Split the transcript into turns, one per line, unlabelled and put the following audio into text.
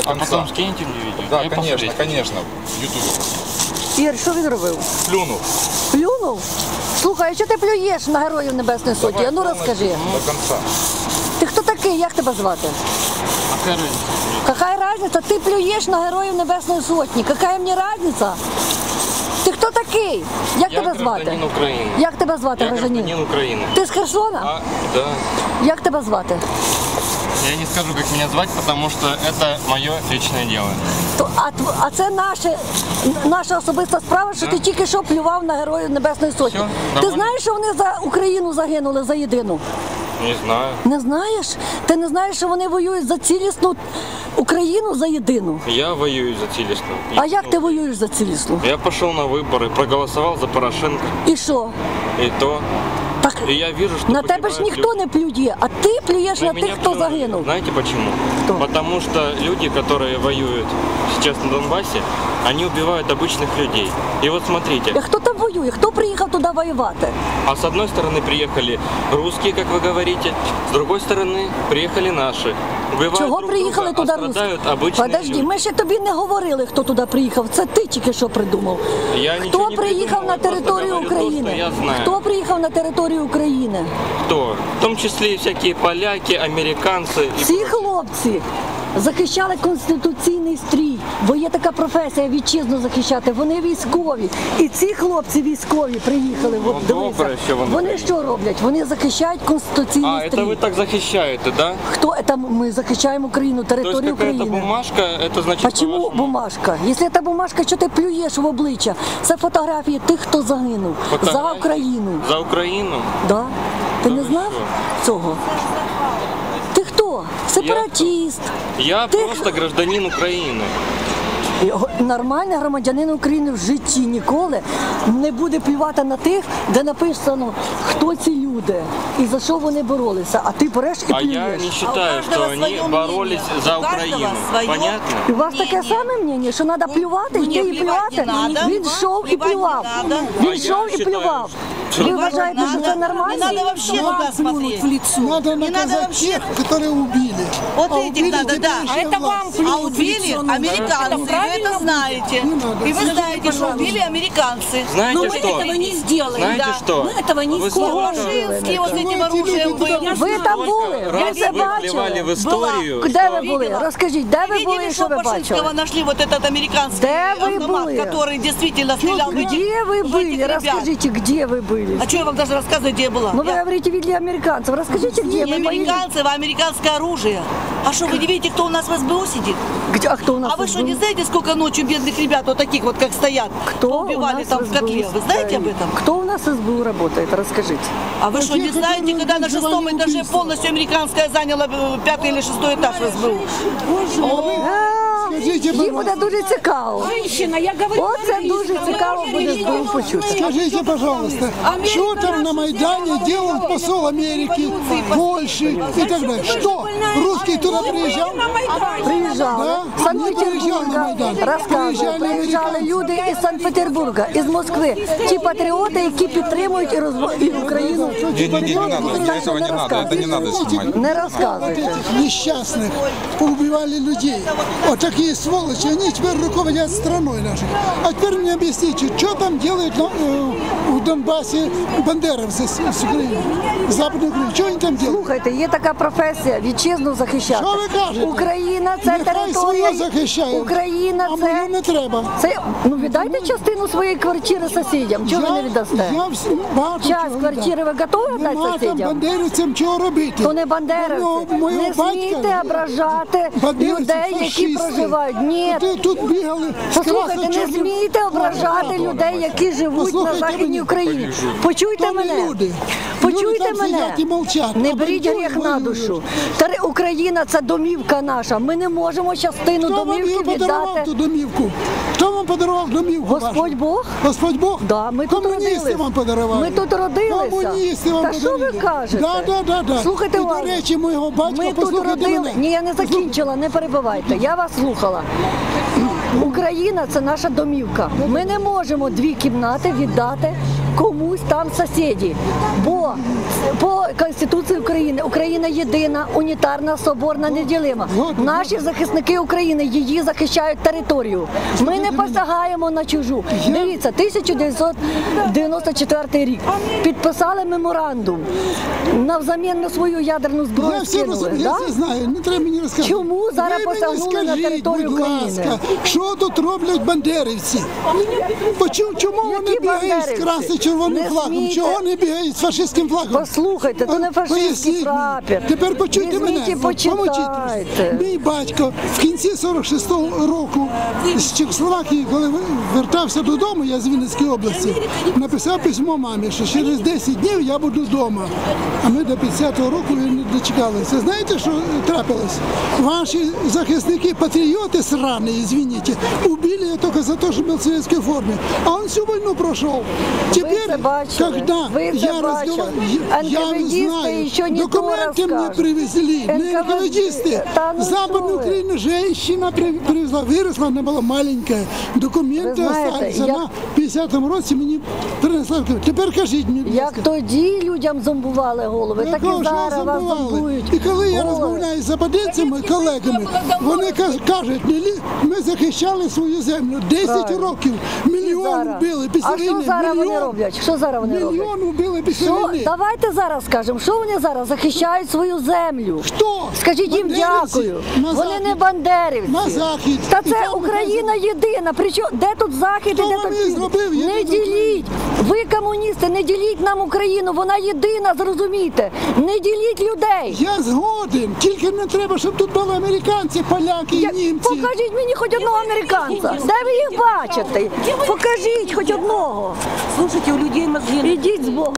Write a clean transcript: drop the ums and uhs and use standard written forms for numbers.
до конца.
А потом скинете мне видео?
Да,
Я
конечно,
посмотреть.
конечно. В Ютубе.
Ігор, що він робив?
Плюнул.
Плюнув? Слухай, а що ти плюєш на Героїв Небесної Сотні?
Давай
А ну
полностью
розкажи.
До конца.
Ти хто такий? Як тебе звати?
А какая разница?
Какая разница? Ти плюєш на Героїв Небесної Сотні. Какая мені разница? Ти хто такий? Як
Я
тебе звати?
гражданин Украины.
Як тебе звати,
Я
гражданин?
гражданин Украины.
Ти з Херсона?
А, да.
Як тебе звати?
Я не скажу, как меня звать, потому что это мое личное дело.
А це наша особиста справа, що ти тільки що плював на Героїв Небесної Сотні.
Все,
Ти
доволі.
знаєш, що вони за Україну загинули, за єдину?
Не знаю.
Не знаєш? Ти не знаєш, що вони воюють за цілісну Україну, за єдину?
Я воюю за Цілісну.
А як ти воюєш за цілісну?
Я пошел на выборы, проголосовал за Порошенко.
І що?
И то.
Так
И я вижу, что
на тебе ж
погибают
ніхто
люди.
не плює, а ти плюєш
На
на
меня
тих, хто
плюнули.
загинув.
Знаете почему?
Кто?
Потому что люди, которые воюют сейчас на Донбассе, они убивают обычных людей. И вот
А
смотрите,
хто там воює? Хто приїхав туди воювати?
а с одной стороны приехали русские, как вы говорите, с другой стороны приехали наши. Убивают
Чого
друг
приїхали
друга,
туди
а
русські?
страдают обычные
Подожди,
люди.
ми ще тобі не говорили, хто туди приїхав. Це ти тільки що придумав.
Я
Хто
ничего не
приїхав
придумал,
на
я просто
територію
говорю то,
України?
что я знаю.
Хто приїхав на територію України?
Кто? В том числе и всякие поляки, американцы. И
Ці хлопці захищали конституційний стрій, бо є така професія вітчизну захищати. Вони військові. І ці хлопці військові приїхали. От
добре,
дивися.
що вони
Вони що роблять? Вони захищають конституційний
А,
стрій.
это вы так захищаете, да?
Хто це? Ми захищаємо Україну,
То есть
територію
какая-то
України.
бумажка, это значит...
Почему
по-вашему,
бумажка? Якщо це бумажка, що ти плюєш в обличчя? Це фотографії тих, хто загинув за
фотографии?
Україну.
За Украину?
Да? Ти
Да
не
ви
знав
що?
цього? Ти хто? Сепаратіст.
Я
Ти
просто гражданин Украины.
Нормальний громадянин України в житті ніколи не буде плювати на тих, де написано, хто ці люди і за що вони боролися. А ти береш і
А я
плюєш.
не считаю, что они боролись за Украину. Понятно?
І у вас таке саме мнення, що треба плювати, йти і плювати? Він йшов і плював.
А
Він
я
йшов і
считаю,
плював.
что-
Ви вважаєте, що це
Не
нормально?
надо вообще туда смотреть.
Надо
Не надо
наказать
вообще.
тех, которые убили.
Вот
А
этих
убили
надо, да.
теперешняя власть.
А убили американцы, вы это знаете. И вы знаете, что убили американцы.
Знаете
Но мы
что?
этого не сделаем.
Знаете
Да.
что?
Мы этого не
Вы
сделаем.
Лукашинский вот этим оружием был.
Ви там були,
Раз
ви це
вы плевали в
бачили.
историю,
Де
что-
ви були? Розкажіть, де ви були,
Видели,
що
что
ви
Пашинского
бачили?
нашли вот этот американский
Да вы
автомат,
были.
который действительно стрелял в этих-
Где вы
в
были?
этих ребят.
Расскажите, где вы были?
А что я вам даже рассказывать, где я была?
Ну вы
Я-
говорите, видели американцев. Расскажите, где
Не
вы были?
американцев, а американское оружие. А что, вы не видите, кто у нас в СБУ сидит?
Где, а кто у нас
А вы что,
был?
не знаете, сколько ночью бедных ребят вот таких вот, как стоят,
Кто у
убивали
нас
там в
СБУ
котле? Вы знаете об
стоит?
этом?
Кто у нас в СБУ работает? Расскажите.
А вы что, не
те,
знаете,
которые
когда на
организовали
6-м этаже
убийство?
полностью американская заняла 5-й или 6-й этаж в СБУ?
Скажите,
Їм буде
пожалуйста,
дуже цікаво.
Женщина, я говорю,
Оце дуже цікаво буде СБУ почути.
скажите, пожалуйста, что там на Майдане делал посол Америки, Польши и так далее? Что? Русский туда приезжал?
Приїжджали
Да?
з Санкт-Петербурга,
Приїжджали на Майдан.
розказували,
Приїжджали
приїжджали
американці.
люди із Санкт-Петербурга, із Москви. Ті патріоти, які підтримують і Україну.
Не надо, этого не надо, это не надо снимать.
Не
Вот
розказуйте.
этих несчастных поубивали людей. Вот такие сволочи, они теперь руководят страной нашей. А теперь мне объясните, что там делают в Донбассе бандеровцы с Украины, с Западной Украины? Что они там делают?
Слухайте, є така професія вітчизну захищати.
Що ви кажете?
Україна це
Нехай
територія.
свою захищають,
Україна
а
це.
мою не треба.
Це ну віддайте частину своєї квартири сусідям. Чого ви не віддасте?
Я всім багато
Час
чого
квартири ви готові віддати
Нема там
сусідям?
бандерівцям чого робити.
То не бандеровці.
Мого
Не
батька
смійте ображати
бандерівці,
людей, які
фашисти.
проживають. Ні.
Тут бігали з
Послухайте, не
красно-чорним
смійте ображати
плакатом.
людей, які живуть на
Послухайте
Західній
мене.
Україні. Почуйте
То не
мене.
люди.
Почуйте
Люди там
мене.
сидять і мовчать.
Не
А
беріть
бандюги
гріх на
воюють.
душу. Україна – це домівка наша. Ми не можемо частину
Хто вам
домівки
її подарував
віддати.
ту домівку? Хто вам подарував домівку
Господь
вашу?
Бог?
Господь Бог?
Да, ми тут
Комуністи
родились.
вам подарували.
Ми тут родилися.
Комуністи вам
Та що ви
подарували.
кажете?
Да.
Слухайте
І,
уважно.
до речі, моєго батька,
Ми тут
послухайте
родили.
мене.
Ні, я не закінчила, не перебивайте. Я вас слухала. Україна – це наша домівка. Ми не можемо 2 кімнати віддати комусь там сусіді. Бо по Конституції України Україна єдина, унітарна, соборна, неділима. Наші захисники України її захищають територію. Ми не посягаємо на чужу. Дивіться, 1994 рік підписали меморандум. Навзамін на свою ядерну зброю
Я все
скинули.
розумію, я
Да?
все знаю, не треба мені розказувати.
Чому зараз
Ви мені
посягнули на
скажіть,
територію
будь
України?
ласка, що тут роблять бандерівці? Чому вони
Які
бігають з
бандерівці?
красно-червоним
Не
флагом?
смійте.
Чого вони бігають з фашистським флагом?
Послухайте, то не фашистський
Поясніть мені.
прапір.
Тепер почуйте
Візьміть
мене,
і почитайте.
помовчіть. Мій батько в кінці 46-го року з Чехословакії, коли вертався додому, я з Вінницької області, написав письмо мамі, що через 10 днів я буду вдома. А ми до 50-го року не дочекалися. Знаєте, що трапилось? Ваші захисники, патріоти сраные, извините, убили я только за то, что был в советской форме. А он всю войну прошел. Теперь,
це бачили.
когда
Ви це
я
бачили.
я не
НКВДисты
знаю,
еще не то
документы мне
расскажут.
привезли, не НКВДисты.
Да ну
Западную
что вы.
Украину женщина привезла, выросла, она была маленькая. Документы
Ви знаєте,
остались.
я-
Вона в 50-му році мені принесла. Тепер кажіть мені, будь
Як
ласка.
тоді людям зомбували голови, так
Якого
і
ж
зараз вас
забували?
зомбують.
І коли я
голови.
розмовляю з западинцями, колегами, вони кажуть, ми захищали свою землю 10
Правильно.
років,
І
мільйон
зараз.
вбили після
А
війни.
що зараз вони
мільйон.
роблять? Що зараз вони роблять?
Мільйон вбили після
Що?
війни.
Давайте зараз скажемо, що вони зараз захищають свою землю.
Хто?
Скажіть їм
Бандерівці?
дякую.
На
Вони
захід.
не бандерівці.
На захід.
Та
І
це
там
Україна єдина. Причому де тут захід
Хто
і де
вам
тут
її
південь?
зробив
Не
єдиною
діліть. Ви комуністи, не діліть нам Україну. Вона єдина, зрозумійте. Не діліть людей.
Я згоден, тільки не треба, щоб тут були американці, поляки і німці.
Покажіть мені хоч одного американця. Де ви їх бачите? Покажіть хоч одного.
Слушайте, у людей мозги
Ідіть з Богом.